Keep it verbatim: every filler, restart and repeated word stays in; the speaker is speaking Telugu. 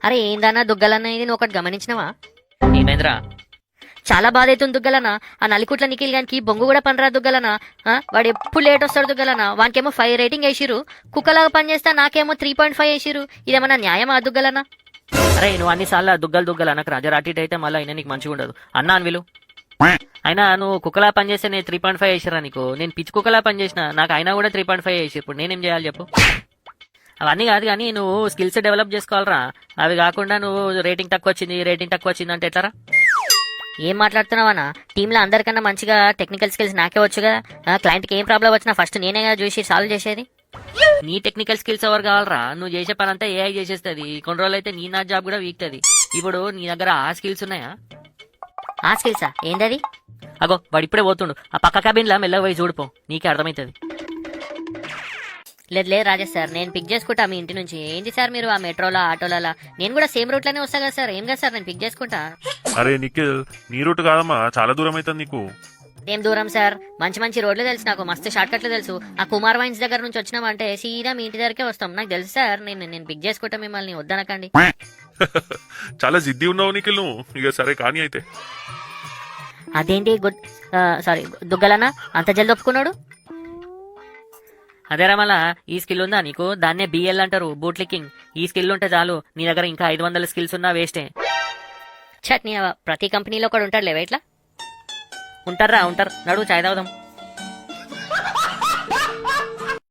అరే ఏందన్నా దుగ్గలన్న ఇది నువ్వు ఒకటి గమనించినవా? ఏమైందిరా? చాలా బాధ అవుతుంది దుగ్గలన్న. ఆ నలికుట్ల నిఖిల్ గానికి బొంగు కూడా పనిరా దుగ్గలన్న. ఆ, వాడు ఎప్పుడు లేట్ వస్తాడు దుగ్గలన్న. వానికేమో ఫైవ్ రేటింగ్ వేసిరు, కుక్కలాగా పనిచేస్తా నాకేమో త్రీ పాయింట్ ఫైవ్ వేసిరు. ఇదేమన్నా న్యాయమా దుగ్గలన్న? అరే నువ్వు అన్నిసార్లు దుగ్గలు దుగ్గలు అనకు రాజా, అటు ఇటు అయితే మళ్ళీ అయినా నీకు మంచిగా ఉండదు. అన్నా అని విలు. అయినా నువ్వు కుక్కలా పనిచేస్తే నేను త్రీ పాయింట్ ఫైవ్ వేసిరా నీకు? నేను పిచ్చి కుక్కలా పనిచేసిన, నాకు అయినా కూడా త్రీ పాయింట్ ఫైవ్ వేసి. ఇప్పుడు నేనేం చేయాలి చెప్పు? అవన్నీ కాదు కానీ నువ్వు స్కిల్స్ డెవలప్ చేసుకోవాలరా. అవి కాకుండా నువ్వు రేటింగ్ తక్కువ వచ్చింది రేటింగ్ తక్కువ వచ్చింది అంటే ఎట్లరా? ఏం మాట్లాడుతున్నావన్నా? టీంలో అందరికన్నా మంచిగా టెక్నికల్ స్కిల్స్ నాకే వచ్చు కదా. క్లయింట్కి ఏం ప్రాబ్లం వచ్చినా ఫస్ట్ నేనే కదా చూసి సాల్వ్ చేసేది. నీ టెక్నికల్ స్కిల్స్ ఎవరు కావాలరా? నువ్వు చేసే పని అంతా ఏఐ చేసేస్తుంది. కొన్ని రోజులు అయితే నీ నా జాబ్ కూడా వీక్తుంది. ఇప్పుడు నీ దగ్గర ఆ స్కిల్స్ ఉన్నాయా? ఆ స్కిల్సా? ఏందది? అగో వాడు ఇప్పుడే పోతుండు, ఆ పక్క క్యాబిన్లా మెల్లగా పోయి చూడిపో, నీకే అర్థమవుతుంది. లేదు లేదు రాజేష్ సార్, నేను పిక్ చేసుకుంటా మీ ఇంటి నుంచి. ఏంటి సార్ మీరు ఆ మెట్రోలా ఆటోలా? నేను కూడా సేమ్ రూట్ లోనే వస్తా కదా సార్. ఏం కదా సార్, నేను పిక్ చేసుకుంటా. అరే నిఖిల్, నీ రూట్ కాదమ్మా, చాలా దూరం అవుతుంది నీకు. ఏం దూరం సార్? మంచి మంచి రోడ్లు తెలుసు నాకు, మస్తు షార్ట్ కట్లు తెలుసు. ఆ కుమార్ వైన్స్ దగ్గర నుంచి వచ్చినామంటే సీదా మీ ఇంటి దగ్గరకే వస్తాం. నాకు తెలుసు సార్, నేను నేను పిక్ చేసుకుంటా మిమ్మల్ని, వద్దనకండి. చాలా జిద్ది ఉన్నావు నిఖిల్ నువ్వు. ఇక సరే కానీ అయితే. అదేంటి గుడ్ సారీ దుగ్గలన్నా అంత జల్ది ఒప్పుకున్నాడు? అదే రమలా, ఈ స్కిల్ ఉందా నీకు? దాన్నే బిఎల్ అంటారు, బూట్ లిక్కింగ్. ఈ స్కిల్ ఉంటే చాలు, నీ దగ్గర ఇంకా ఐదు వందల స్కిల్స్ ఉన్నా వేస్టే. చట్నీ ప్రతి కంపెనీలో కూడా ఉంటాడు లేవా ఇట్లా? ఉంటారా ఉంటారు, నడువు చాయ్ తాగుదాం.